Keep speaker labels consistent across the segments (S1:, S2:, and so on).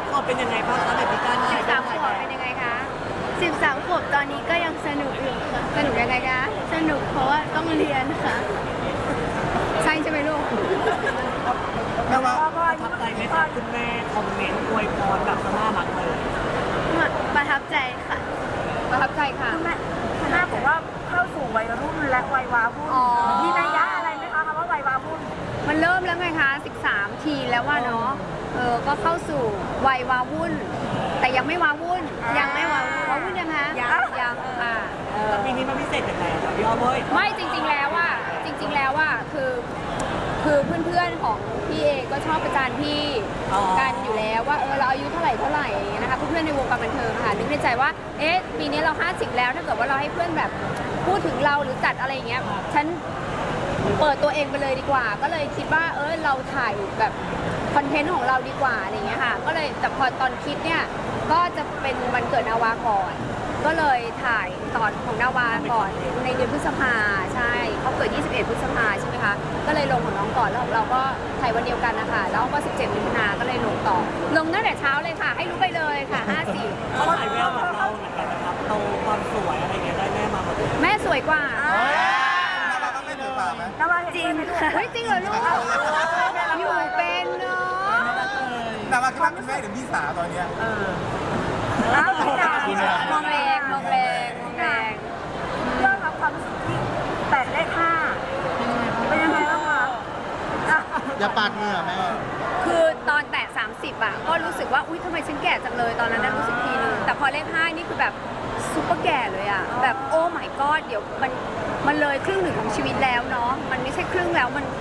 S1: 13 ขวบเป็นยังไงบ้างคะแบบมีการถ่าย
S2: 13 ขวบเป็นยังไงคะ
S3: 13 ขวบตอนนี้ก็ยังสนุกอยู่ค่ะ
S2: สนุกยังไงคะ
S3: สนุกเพราะว่าต้องเรียนค่ะ
S2: ใช่ใช่ไหมลูก
S4: แม่ว่า
S1: ประทับใจไหมคะคุณแม่คอมเมนต์อวยพรแบบน่ารักเลย
S3: ประทับใจค่ะ
S2: ประทับใจค่ะ
S5: คุณแม่บอกว่าเข้าสู่วัยรุ่นและวัยวาวุ่น
S2: อ๋อ
S5: มีนัยยะอะไรไหมคะคำว่าวัยวาวุ่น
S2: มันเริ่มแล้วไงคะ13 ทีแล้วว่าเนาะก็เข้าสู่วัยวาวุ่น แต่ยังไม่วาวุ่น
S3: ยังไม่วาวุ่น
S2: วาวุ่นยังคะยังค่ะ
S1: แล้วปีนี้มันพิเศษยังไงคะพี่อ้อมเอ้ย
S2: ไม่จริงๆแล้วว่าคือเพื่อนๆของพี่เองก็ชอบประจานพี่กันอยู่แล้วว่าเราอายุเท่าไหร่อย่างเงี้ยนะคะเพื่อนๆในวงการบันเทิงค่ะนึกในใจว่าปีนี้เรา50แล้วถ้าเกิดว่าเราให้เพื่อนแบบพูดถึงเราหรือจัดอะไรอย่างเงี้ยฉันเปิดตัวเองไปเลยดีกว่าก็เลยคิดว่าเราถ่ายแบบคอนเทนต์ของเราดีกว่าอะไรอย่างเงี้ยค่ะก็เลยแต่พอตอนคิดเนี่ยก็จะเป็นวันเกิดนาวาก่อนก็เลยถ่ายตอนของนาวาก่อนในเดือนพฤษภาใช่เขาเกิด21 พฤษภาใช่ไหมคะก็เลยลงของน้องก่อนแล้วเราก็ถ่ายวันเดียวกันนะคะแล้วก็17 มิถุนาก็เลยลงต่อลงตั้งแต่เช้าเลยค่ะให้รู้ไปเลยค่ะ54
S1: เขาถ่ายแววเหมือนเราเหมือนกันนะครับโตความสวยอะไรเงี้ยได้แม่มาหมดเลย
S2: แม่สวยกว่า
S4: แม่ว่าไม่ถูกป่าไหม
S5: นว่าเห็นด้วยไหมลูก
S2: เฮ้ยจริงเหรอลูกอยู่เป็นเนาะ
S4: แต่ว่าคิดว่าคุณแม่หรือพี่สาวตอนเนี้ย
S5: อ้าวไม่ได้
S2: มองแรงมองแรงมองแรง
S5: เรื่องครับความรู้สึกที่แตะเลข5เป็นยังไงบ้างคะอ่ะ
S4: อย่าปาดเหงื่อแม่
S2: คือตอนแตะ30อ่ะก็รู้สึกว่าอุ๊ยทำไมฉันแก่จังเลยตอนนั้นรู้สึกทีนึงแต่พอเลข5นี่คือแบบซุปเปอร์แก่เลยอ่ะแบบโอ้ my god เดี๋ยวมันเลยครึ่งหนึ่งของชีวิตแล้วเนาะมันไม่ใช่ครึ่งแล้วมัน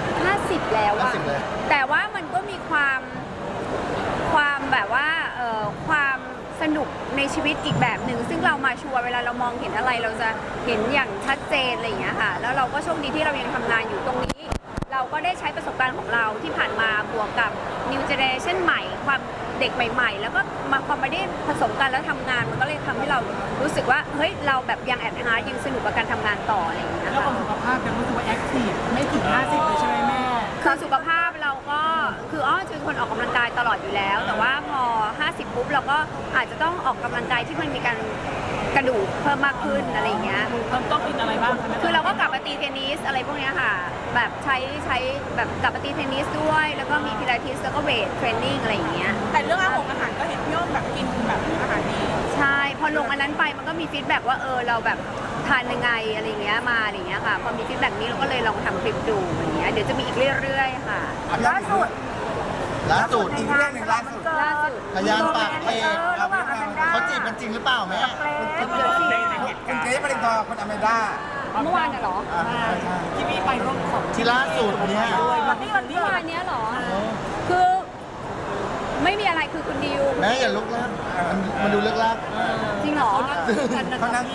S2: 50แล้วอะ
S4: 50เลย
S2: แต่ว่ามันก็มีความแบบว่าความสนุกในชีวิตอีกแบบหนึ่งซึ่งเรามาชัวร์เวลาเรามองเห็นอะไรเราจะเห็นอย่างชัดเจนอะไรอย่างเงี้ยค่ะแล้วเราก็โชคดีที่เรายังทำงานอยู่ตรงนี้ เราก็ได้ใช้ประสบการณ์ของเราที่ผ่านมาบวกกับ New Generation ใหม่ความเด็กใหม่ ๆ แล้วก็มาพอไม่ได้ผสมกันแล้วทำงานมันก็เลยทำให้เรารู้สึกว่าเฮ้ยเราแบบยังแอดฮาร์ดยังสนุกกับการทำงานต่ออะไรอย่างเงี้ย
S1: แล้วควา
S2: ค่ะ
S1: มสุขภาพยังรู้สึกว่าแอคทีฟไม่ถึง 50เลยใช่ไหมแม่
S2: คือสุขภาพเราก็คือจะเป็นคนออกกำลังกายตลอดอยู่แล้ว แต่ว่าพอ 50 ปุ๊บเราก็อาจจะต้องออกกำลังกายที่มันมีการกระดูกเพิ่มมากขึ้นอะไรอย่างเงี้ย
S1: ต้องกินอะไรบ้างคะ
S2: คือเราก็กลับมาตีเทนนิสอะไรพวกเนี้ยค่ะ แบบใช้แบบกลับมาตีเทนนิสด้วย แล้วก็มีพิลาทิสแล้วก็เวทเทรนนิ่งอะไรอย่างเงี้ย
S1: แต่เรื่องอาหารก็เห็นพี่อ้อมแบบกินแบบอาหารดี
S2: ใช่พอลงอันนั้นไปมันก็มีฟีดแบ็กว่าเราแบบทานยังไงอะไรเงี้ยมาอะไรเงี้ยค่ะพอมีฟีดแบ็กนี้เราก็เลยลองทำคลิปดูอย่างเงี้ยเดี๋ยวจะมีอีกเรื่อยๆค่ะ
S5: ล่าสุด
S4: อีกเรื่องหนึ่งล่าสุด
S2: ล่าสุด
S4: พยานปากเอก
S5: ระหว่างอแมนด้า
S4: เขาจีบกันจริงหรือเปล่าแม่
S5: เกรซ
S2: เดี๋ยวสิ
S4: คุณเกรซปรินทร์คุณอเมด้า
S2: เมื่อวานน่ะเหรอ
S1: ที่พี่ไปร่วมของ
S4: ที่ล่าสุดเนี่ย
S5: วันนี้วัน
S2: เมื่อวานเนี้ยเหรอ คือไม่มีอะไรคือคุณดิว
S4: แม่อย่าลุกลักมันดูเลิกลัก
S2: จริงเหรอ
S4: เขานั่ง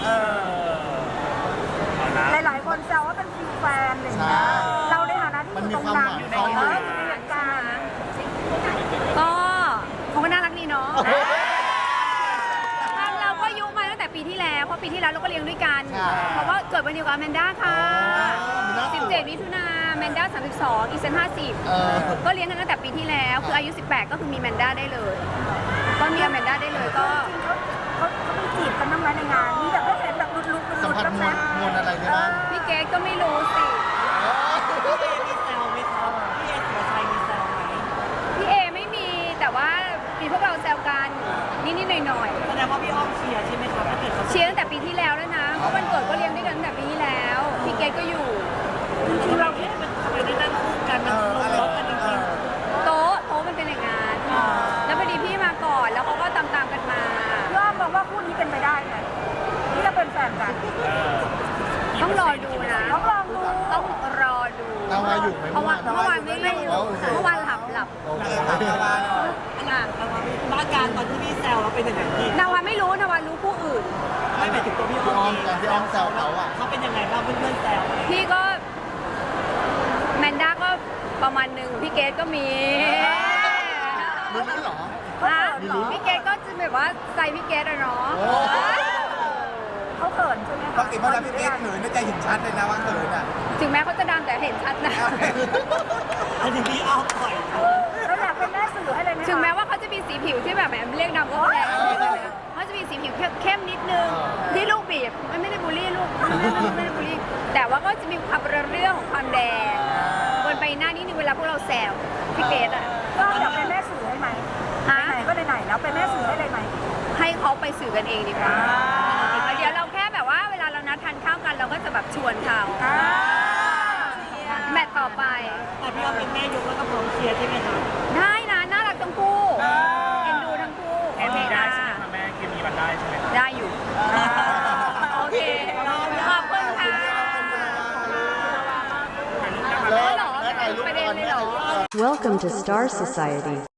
S5: หลายๆคนแซวว่าเป็นฟิลแฟนอะไรอย่างเงี้ยเราในฐานะที่อยู่ตรงนั้นอยู่ในเหตุการณ์
S2: ก็เขาก็น่ารักดีเนาะทางเราก็ยุมาตั้งแต่ปีที่แล้วเพราะปีที่แล้วเราก็เลี้ยงด้วยกัน เพราะว่าเกิดวันเดียวกับอแมนด้าค่ะ 17 มิถุนาแมนด้า32 อีเซน50 ก็เลี้ยงกันตั้งแต่ปีที่แล้ว คืออายุ 18 ก็คือมีแมนด้าได้เลย ก็มีแมนด้าได้เลยก็
S5: เขาไปจีบกันบ้างไหมในงานมีแบบได้เห็นแบบลุก
S4: สัมผัส
S5: บ้าง
S4: ม
S5: ไหม
S4: วลอะไรได้บ้าง
S2: พี่เกดก็ไม่รู้สิ
S1: พี่เอมีแซวไหมครับพี่เอสุรชัยมีแซวไหม
S2: พี่เอไม่มีแต่ว่ามีพวกเราแซวกันนิดๆหน่อยๆ
S1: แสดงว่าพี่อ้อมเชียร์ใช่ไหมครับถ้าเกิดเขา
S2: เชียร์ตั้งแต่ปีที่แล้วแล้วนะ เพราะวันเกิดก็เลี้ยงด้วยกันตั้งแต่ปีที่แล้ว พี่เกดก็อยู่
S1: จริงๆเราคิดว่าทำไมได้นั่งคู่กันมันลงรถกันจริง
S2: โต๊ะมันเป็นอย่างนั้นแล้วพอดีพี่มาก่อนแล้วเขาก็ตามกันมา
S5: พี่อ้อมบอกว่าคู่นี้เป็นไปได้ไหมที่จะเป็นแฟนกัน
S2: ต้องรอดูนะ
S5: ต้องลองดู
S2: ต้องรอดู
S4: นาวาอยู่ไหม
S2: เพราะว่าเมื่อวานไม่อยู่เมื่อวานหลับ
S4: โอเคครับนาวาหน่อย
S2: อ่ะ
S1: บ้านการตอนที่พี่แซวเราเป็นยังไงพี่
S2: นาวาไม่รู้นาวารู้ผู้อื่น
S1: ไม่หมายถึงตัวพี่
S4: พี่
S1: อ้
S4: อ้
S1: อ
S4: อ
S1: ม
S4: มกันพี่อ้อมแซวเขาอ่ะ
S1: เขาเป็นยังไงบ้างเพื่อนๆแซว
S2: พี่ก็แมนด้าก็ประมาณหนึ่งพี่เกดก็มี
S4: รู้เหรอ
S2: ฮะพี่เกดก็จะแบบว่าใจพี่เกดอะเนาะ
S4: โอ้
S5: เขาเขินใช่ไหม
S4: ปกติเวลาพี่เกรซเขินน่าจะเห็นชัดเลยนะว่าเขินอ่ะ
S2: ถึงแม้เขาจะดังแต่เห็นชัดนะ
S1: อันนี้พี่อ้อมปล่อย
S5: เราอยากเป็นแม่สื่อให้เลยไหมคะ
S2: ถึงแม้ว่าเขาจะมีสีผิวที่แบบแหมเรียกดำก็แรงเขาจะมีสีผิวเข้มนิดนึงที่ลูกบีบไม่ได้บูลลี่ลูกไม่ได้บูลลี่แต่ว่าก็จะมีความเรื่องของความแดงบนใบหน้านิดนึงเวลาพวกเราแซวพี่เกดอ่ะ
S5: ก็เดี๋ยวเป็นแม่สื่อให้ไหม
S2: ฮะ
S5: ไหนๆก็ไหนๆแล้วเป็นแม่สื่อให้เลยไหม
S2: ให้เขาไปสื่อกันเองดีกว่าเดี๋ยวเราแค่แบบว่าเวลาเรานัดทานข้าวกันเราก็จะแบบชวนเขาแมตต์ต่อไป
S1: แต่พี่ว่าเป็นแม่ยกแล้วก็พร้อมเชียร์ใช่ไหมครับ
S2: ได้นะน่ารักทั้งคู่เอ็นดูทั้งคู่โอเคได้ใช่ไหมคะแม่เคมีมันได้ใช่ไหมได้อยู่โอเคขอบคุณค่ะ
S4: แล้ว
S2: เหรอ
S4: แล้วถ่ายรูป
S2: ประเด็นเลยเหรอ
S6: Welcome to Star Society.